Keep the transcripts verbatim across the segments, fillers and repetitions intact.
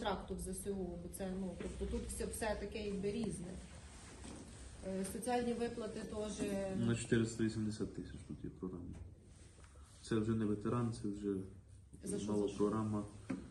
контракту в ЗСУ, бо це, ну, тобто тут все, все таке якби різне. Е, Соціальні виплати теж... На чотириста вісімдесят тисяч тут є програма. Це вже не ветеран, це вже За що, нова за що? програма.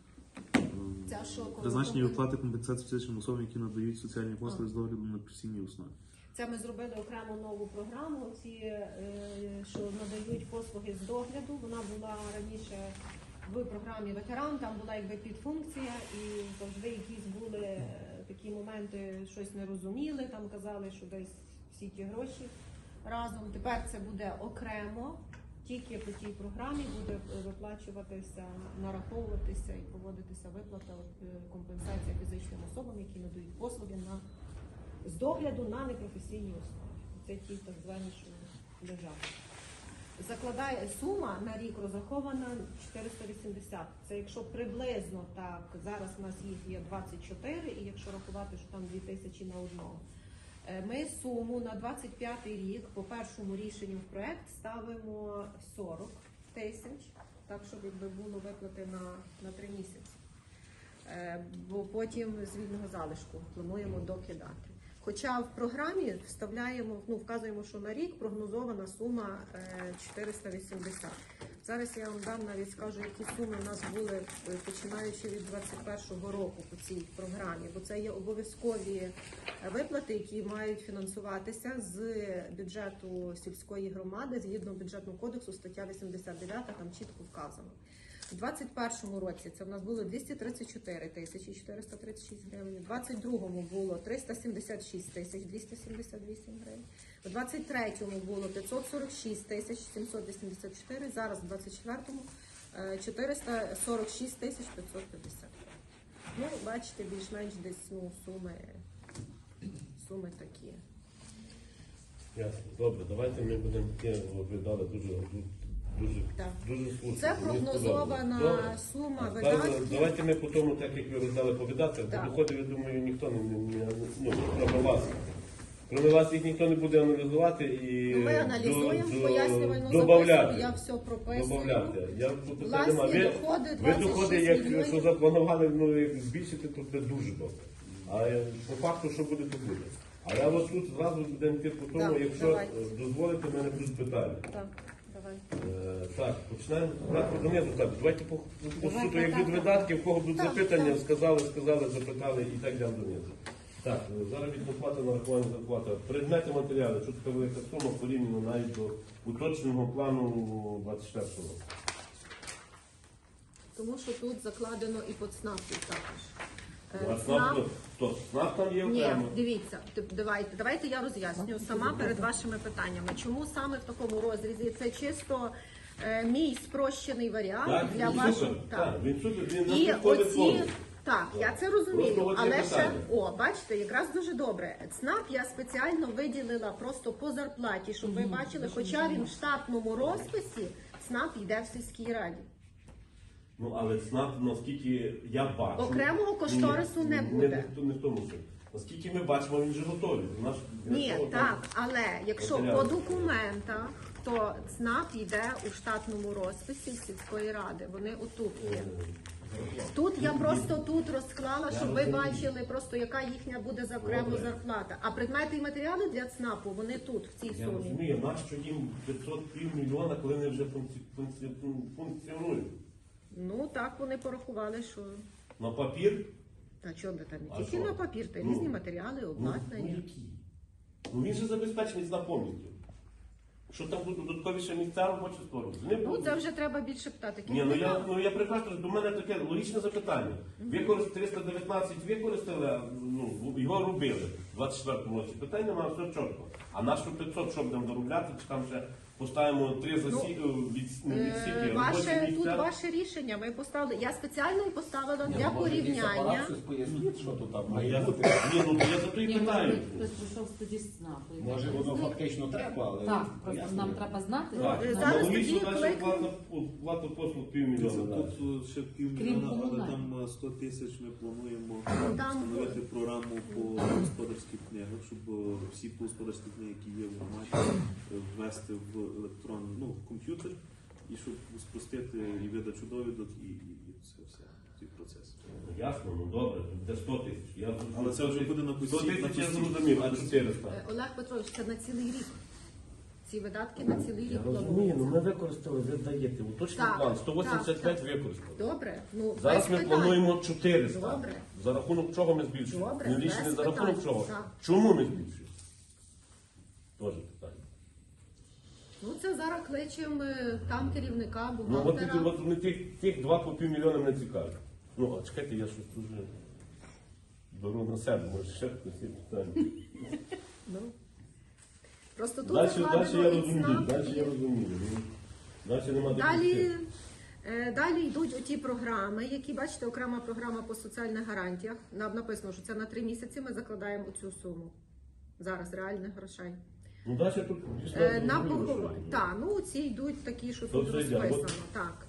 Ця що, коли Призначені компен- виплати компенсації фізичним особам, які надають соціальні послуги з догляду на постійній основі. Це ми зробили окрему нову програму, ці, е, що надають послуги з догляду. Вона була раніше в програмі ветеран, там була якби підфункція, і завжди якісь були е, такі моменти, щось не розуміли, там казали, що десь всі ті гроші разом. Тепер це буде окремо, тільки по тій програмі буде виплачуватися, нараховуватися і проводитися виплата, е, компенсація фізичним особам, які надають послуги на з догляду на непрофесійній основі. Це ті так звані, що лежать. Закладає сума на рік розрахована чотириста вісімдесят. Це якщо приблизно так, зараз у нас їх є двадцять чотири, і якщо рахувати, що там дві тисячі на одного. Ми суму на двадцять п'ятий рік по першому рішенню в проект ставимо сорок тисяч, так, щоб якби було виплати на, на три місяці. Бо потім з вільного залишку плануємо докидати. Хоча в програмі вставляємо, ну, вказуємо, що на рік прогнозована сума чотириста вісімдесят. Зараз я вам дам, навіть скажу, які суми у нас були, починаючи від двадцять першого року по цій програмі, бо це є обов'язкові виплати, які мають фінансуватися з бюджету сільської громади, згідно бюджетного кодексу, стаття вісімдесят дев'ята, там чітко вказано. У двадцять першому році це в нас було двісті тридцять чотири тисячі чотириста тридцять шість гривень, у двадцять другому було триста сімдесят шість тисяч двісті сімдесят вісім гривень, у двадцять третьому було п'ятсот сорок шість тисяч сімсот вісімдесят чотири, зараз у двадцять четвертому чотириста сорок шість тисяч п'ятсот п'ятдесят. Ну, бачите, більш-менш десь, ну, суми, суми такі. Ясно. Добре, давайте ми будемо таке, ви дали дуже, дуже, Так. дуже слушно. Це Мені прогнозована сподобалось. сума Добре. видатків. Давайте ми по тому, так як ви роздали по видатках, Так. по доходів, я думаю, ніхто не, не, не ну, кроме вас. Кроме вас їх ніхто не буде аналізувати і Ну, ми аналізуємо, до- пояснювальну добавляти. записку, я все прописую. Добавляти. Я тут питань Власні нема. Ви, доходи ви двадцять доходи, шість як мільйонів. що запланували, ну, як збільшити, то це дуже добре. А е, по факту, що буде, то буде. А я ось тут зразу будемо йти по тому, Так, якщо давайте. е, дозволите, в мене будуть питання. Так, давай. Е, Так, починаємо брати донизу. Так, давайте по, по Давай, суду, так, як так, від так. видатків, в кого будуть Так, запитання, так. сказали, сказали, запитали і так далі донизу. Так, е, заробітна плата, нарахування зарплата. Предмети матеріали, що така велика сума порівняно навіть до уточненого плану двадцять четвертого року. Тому що тут закладено і под СНАПів також. Е, А СНАП, то СНАП там є Ні, окремо. дивіться, тип- давайте, давайте я роз'ясню сама перед вашими питаннями. Чому саме в такому розрізі? Це чисто е, мій спрощений варіант Так, для він вашого. супер. Так, він супер, він І не підходить оці, повністю. так, я це Просто розумію, от є але ще, питання. о, бачите, якраз дуже добре. ЦНАП я спеціально виділила просто по зарплаті, щоб ви бачили, хоча він в штатному розписі, ЦНАП йде в сільській раді. Ну, але СНАП, наскільки я бачу... Окремого кошторису не буде. Не, не в тому суть. Наскільки ми бачимо, він же готовий. Наш, Ні, для того, так, але якщо по матеріали. документах, то ЦНАП йде у штатному розписі сільської ради. Вони отут є. Тут я просто тут розклала, щоб ви бачили просто, яка їхня буде за окрему Добре. зарплата. А предмети і матеріали для ЦНАПу, вони тут, в цій Я сумі. розумію, нащо їм п'ятсот півмільйона, коли вони вже функці, функці, функціонують. Ну так вони порахували, що На папір? та чого би там А не тільки що? на папір, та Ну, різні матеріали, Ну, ну обладнання. які? Ну він же забезпечений на повністю. Що там будуть додаткові ще місця робочі створювати? Не Ну буде. це вже треба більше питати. Ні, ну я, ну я прекрасно, до мене таке логічне запитання. Використали триста дев'ятнадцять використали, а, ну, його робили в двадцять четвертому році. Питання немає, все чітко. А нашу п'ятсот що будемо доробляти, чи там ще поставимо три засі... від... ну, Е, відсіки, Ваше робочі тут місця. ваше рішення. Ми поставили. Я спеціально і поставила Ні, для ну, може, якийсь порівняння. апарат щось поясніть, що тут там Ну, має я, бути. ні, ну я за то і Ні, питаю. може, хтось прийшов тоді з ЦНАПу. Може, воно фактично треба, але Так, просто ясно. нам треба знати. Так, е, ну, зараз логічно, тоді значить, кликну. плата, плата послуг півмільйона. далі. Тут ще Крім півмільйона, але комунальних. там е, сто тисяч ми плануємо там- встановити програму по господарських книгах, щоб е, всі господарські книги, які є в громаді, е, ввести в електронний, ну, в комп'ютер, і щоб спростити і видачу довідок, і, і, і це все. цей процес. Ясно, ну добре, це сто тисяч. Я зрозумів. Але це вже буде на сто постійно. тисяч я зрозумів, а чотириста. Е, Олег Петрович, це на цілий рік. Ці видатки на цілий Я рік розумію, плануються. ну ми використали, ви даєте. Уточний Так, план, сто вісімдесят п'ять так, використали. Добре, ну Зараз без ми питань. плануємо чотириста. Добре. За рахунок чого ми збільшуємо? Добре, Не рішення без за рахунок питань. чого? Так. Чому ми збільшуємо? Теж питання. Ну це зараз кличемо е, там керівника, Ну от, бухгалтера. ті- от, от тих, тих два по півмільйона мене цікавить. Ну, а чекайте, я щось дуже беру на себе, може ще хтось є питання. Ну. Просто тут Далі, закладено далі я і розумію, ЦНАП, далі і- я розумію. Ну, Далі нема де Далі, піти. е, далі йдуть оті програми, які, бачите, окрема програма по соціальних гарантіях. Нам написано, що це на три місяці ми закладаємо оцю суму. Зараз реальних грошей. Ну, далі тут дійсно Е, на зрозуміло, поховання. що- Так, ну ці йдуть такі, що То тут це йде, розписано. от. Так.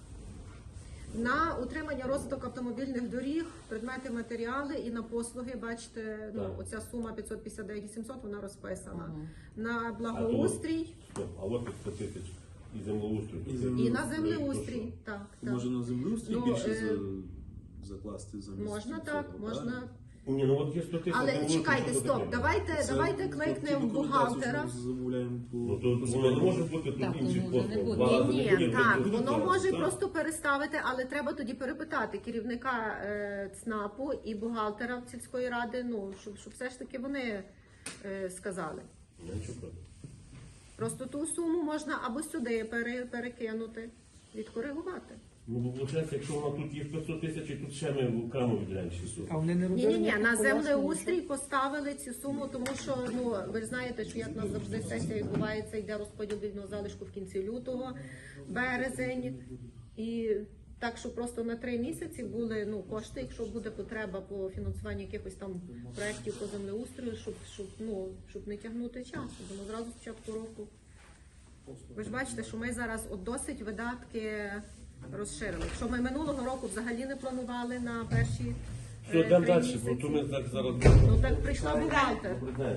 На утримання розвиток автомобільних доріг, предмети, матеріали і на послуги, бачите, ну, Так. оця сума п'ятсот п'ятдесят дев'ять сімсот, вона розписана. Ага. На благоустрій Стоп, а от сто тисяч і землеустрою. І Це- землеустрою. і на Ну, землеустрій. Так, так. Може на землеустрій Ну, більше е, за, закласти замість Можна цього, так, правильно? можна. Ні, ну от є сто тисяч. Але землеустрою, чекайте, що стоп, таке? давайте, Це давайте ті кликнемо документації, бухгалтера. що ми замовляємо по... Ну, то по воно не може бути Так, тут інших воно вже не послуг. буде. Два рази Ні, не буде, ні, так, буде воно два рази, може так. просто переставити, але треба тоді перепитати керівника е, ЦНАПу і бухгалтера сільської ради, ну, щоб, щоб все ж таки вони е, сказали. Я нічого проти. Просто ту суму можна або сюди пере, перекинути, відкоригувати. Ну, бо виходить, якщо вона тут є п'ятсот тисяч, і тут ще ми окремо виділяємо шістсот. А вони не Ні, робили ні, ні, ніяких на пояснень, землеустрій поставили цю суму, тому що ну ви ж знаєте, що як у нас завжди сесія відбувається, йде розподіл вільного залишку в кінці лютого, березень. І так, що просто на три місяці були ну кошти, якщо буде потреба по фінансуванню якихось там проєктів по землеустрою, щоб щоб ну щоб не тягнути час. Тому зразу з початку року. Ви ж бачите, що ми зараз от досить видатки розширили. Якщо ми минулого року взагалі не планували на перші е, Все, три йдемо далі, місяці. бо то ми так зараз... Ну так прийшла бухгалтер. Добрий день.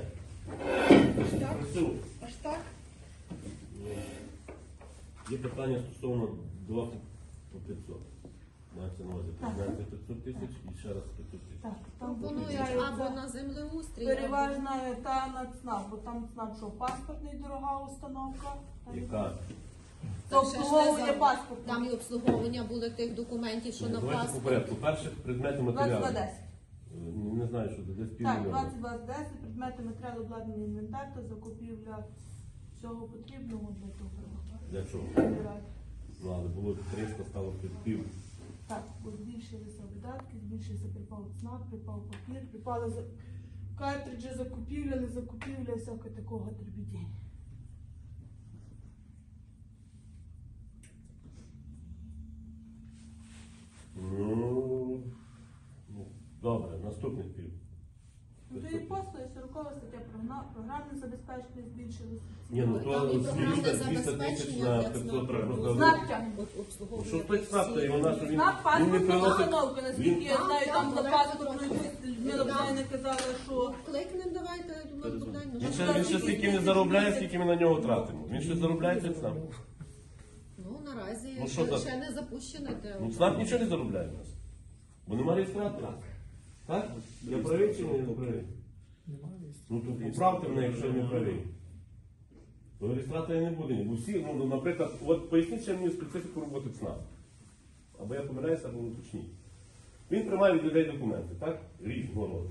Прису. Аж так? Є питання стосовно два по п'ятсот. Мається на увазі президента п'ятсот тисяч і ще раз п'ятсот тисяч. Так, там Пропонують або на землеустрій, переважна та на ЦНАП, бо там ЦНАП, що паспортний дорога установка. Яка? Це обслуговування паспорту. там і обслуговування були тих документів, що Ну, на давайте по паспорт. порядку. Перше, предмети матеріалу. двадцять два десять. Е, Не знаю, що це десь Так, півмільйона. двадцять два десять, предмети матеріалу, обладнання, інвентар та закупівля всього потрібного для того. Для чого? Збирати. Ну, але було триста, стало під пів. Так, бо збільшилися видатки, збільшився припав ЦНАП, припав папір, припали за... картриджі, закупівля, не закупівля, всяке такого дрібідіння. Ну, ну, добре, наступний пів. Ну, то і послуги, сорокова стаття прогна- програмне забезпечення збільшилося. Ні, ну Там то і програмне двісті тисяч забезпечення на для п'ятсот ЦНАПу. треба Ну, просто. Знак тягне. От Ну, обслуговування що той тих ЦНАП, то і вона, що він, Знак він не паспортна приносить. установка, наскільки я Він- знаю, Так, там так, за так, паспортною так. Людмила Богданівна казала, що Кликнемо, давайте, я думаю, Богдан. ну, Він ще, він ще стільки не заробляє, скільки ми на нього тратимо. Він ще заробляє цей ЦНАП. Ну, наразі Ну, що ще, так? ще не запущений. те. Ну, ЦНАП нічого не заробляє в нас. Бо немає реєстратора. Так? Я правий чи не правий? Немає місця. Ну, то поправте мене, якщо я не правий. То реєстратора не буде. Бо всі, ну, наприклад, от поясніть ще мені специфіку роботи ЦНАП. Або я помиляюся, або уточніть. Він приймає від людей документи, так? Різного роду.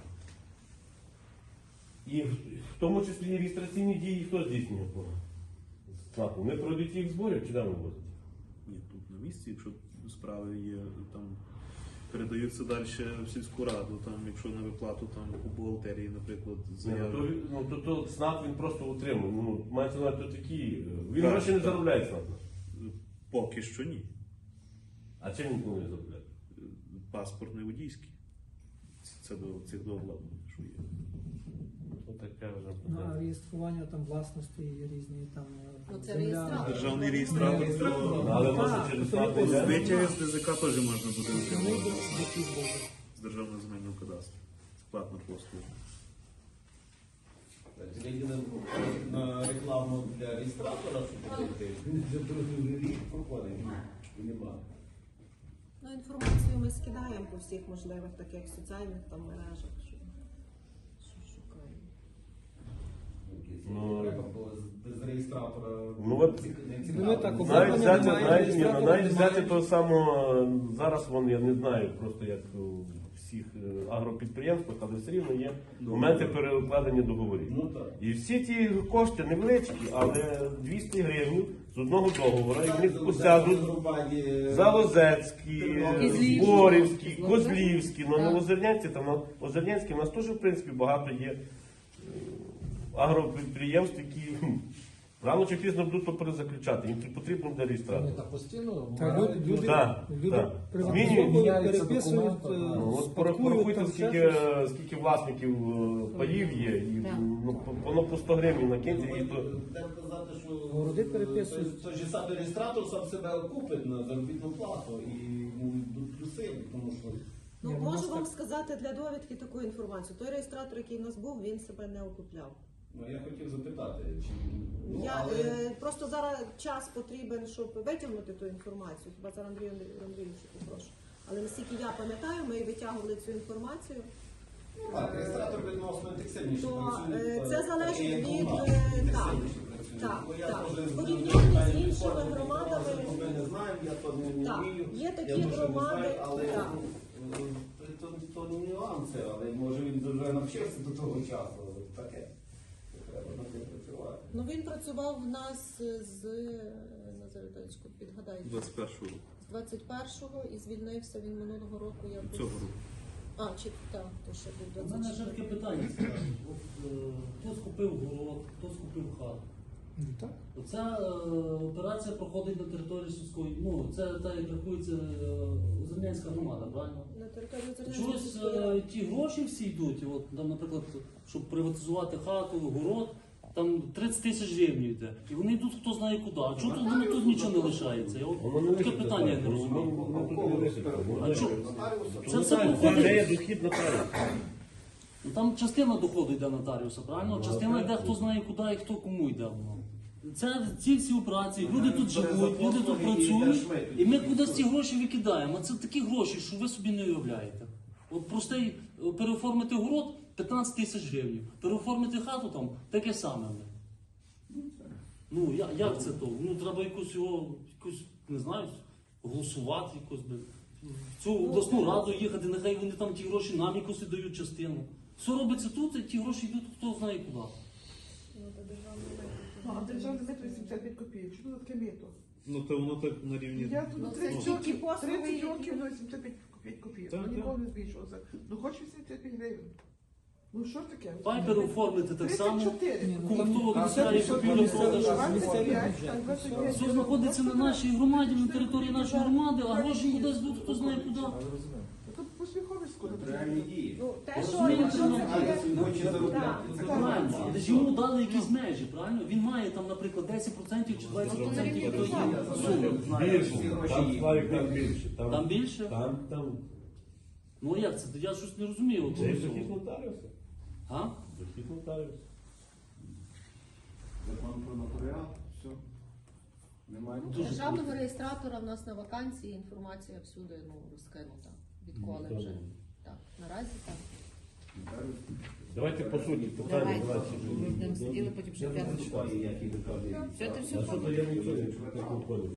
І в в тому числі і реєстраційні дії хто здійснює по ЦНАПу? Вони пройдуть їх зборів чи де вони возять? Ні, тут на місці, якщо справи є, там передаються далі в сільську раду, там, якщо на виплату там у бухгалтерії, наприклад, Ні, ну, то, заяви. він- ну, то, то ЦНАП він просто утримує. Ну, мається на увазі, то такі. Він Так, гроші не так. заробляє ЦНАП. Поки що ні. А чим він планує заробляти? Паспорт не водійський. Це до цих до обладнання, що є. Ну, таке вже Ну, а питання. реєстрування там власності є різні там е, Ну, це земля. реєстратор. Державний реєстратор, Ну, то Але Так, може через то ЦНАП є не йде? витяги з ДЗК теж можна буде Основний отримати дохід буде. з Державного земельного кадастру. Платна послуга. Це єдине на рекламу для реєстратора, щоб робити. Він вже другий рік проходить. І нема. Ну, інформацію ми скидаємо по всіх можливих таких соціальних там мережах, що, що шукаємо. Ну, Треба було без реєстратора. Ну, от, Ці- не ці Ну, правила. так, Навіть Обладнання взяти, немає, навіть, ні, ну, реєстратора навіть взяти немає. того самого, зараз вон, я не знаю просто як у всіх е, агропідприємствах, але все рівно є моменти перекладення договорів. Ну так. І всі ті кошти невеличкі, але двісті гривень з одного договору, і в них посядуть Залозецькі, Козлівські. Зборівські, Козлівські, ну Так. на Озернянці, там на Озернянській у нас теж, в принципі, багато є е, агропідприємств, які хм, рано чи пізно будуть то перезаключати, їм потрібно буде реєстратор. Та постійно Та люди, люди, Так, люди так. приватизовують, Змінюються переписують, документи, е, так. Ну, от спадкують, порахуйте, там ще скільки, щось. скільки власників е, паїв є, і Так. ну, по- воно по сто гривень накиньте, і то Треба казати, що Городи переписують. той же самий реєстратор сам себе окупить на заробітну плату і йому йдуть плюси, тому що Ну, Ні, ну, можу нас вам так- сказати для довідки таку інформацію. Той реєстратор, який в нас був, він себе не окупляв. ну, я хотів запитати, чи ну, Я але е, просто зараз час потрібен, щоб витягнути ту інформацію. Хіба зараз Андрію Андрійовичу попрошу. Але наскільки я пам'ятаю, ми витягували цю інформацію. так, реєстратор відносно інтенсивніше То, працює. е, це та- залежить та є від, команда, е, інтенсивніше працює. так, Бо я так. теж з- Порівняння з з іншими інформації, громадами. Ми не знаємо, я то не, не Так, вмію. є Я такі дуже не громади, знаю, але так. ну, е, то, то не нюанси, але може він вже навчився до того часу. але Таке. Треба над тим працювати. Ну він працював в нас з Назареточку, підгадайте, двадцять першого з двадцять першого і звільнився він минулого року. Якось. цього року. А, чи так, то ще був У мене ще таке двадцять четвертий. питання цікаве. От, е, хто скупив город, хто скупив хату. Ну, так. Оця е, операція проходить на території сільської. Ну, це та як рахується е, Озернянська громада, правильно? На території Озернянської Чогось сільської е, ради. ті гроші всі йдуть. От, там, наприклад, щоб приватизувати хату, город, там тридцять тисяч гривень йде. І вони йдуть хто знає куди. А чого тут воно тут нічого не лишається? Я от, воно не таке висить, питання я не так, розумію. воно тут не висить. А чого? Це все Це проходить. не є дохід нотаріуса. Ну, там частина доходу йде нотаріуса, правильно? Частина йде хто знає куди і хто кому йде воно. Це ці всі операції, люди тут живуть, люди тут працюють, і ми кудись ці гроші викидаємо. А це такі гроші, що ви собі не уявляєте. От простий е, переоформити город п'ятнадцять тисяч гривень, переоформити хату там таке саме. Ну я- як це то? Ну треба якось його, якось, не знаю, голосувати якось би. В цю обласну раду їхати, нехай вони там ті гроші нам якось дають частину. Все робиться тут, і ті гроші йдуть хто знає куди. Ну, то державний майдан. Ну, а державний метр вісімдесят п'ять копійок. Що це таке мето? Ну то воно так на рівні. Я тут Ну, це тридцять тільки років, послуги, тридцять які- років на вісімдесят п'ять копійок. Так, Ну, так. ніколи не збільшувалося. Ну, хоч вісімдесят п'ять гривень. Ну, що таке? Давай переоформити так само. тридцять чотири. Ні, ну, Кому там- хто а вибирає це купівлю місцеві- продаж. місцеві двадцять п'ять, бюджети. так, двадцять п'ять. Все знаходиться на нашій громаді, на території нашої громади, а гроші кудись йдуть, хто знає куди. Тут посміховисько. Реальні дії. Ну, те, що Розумієте, якщо ну, це А є- він хоче заробляти. Так, Правильно, але ж йому дали якісь межі, правильно? Він має там, наприклад, десять відсотків чи двадцять відсотків від тої суми. Більше, там Славік там більше. Там більше? Там, там. Ну як це? Я щось не розумію. от Це є цього дохід всього. нотаріуса. А? Дохід нотаріуса. Закон про нотаріат, все. Немає. Дуже Державного реєстратора в нас на вакансії інформація всюди ну, розкинута. Відколи Ну, вже. добре. Так, наразі так. Давайте по суті питання. Давайте. давайте. Ми будемо сиділи, потім ще Я не п'ятницю. читаю, які ви кажете. Все, ти все А що то я нічого не чую, як не понял.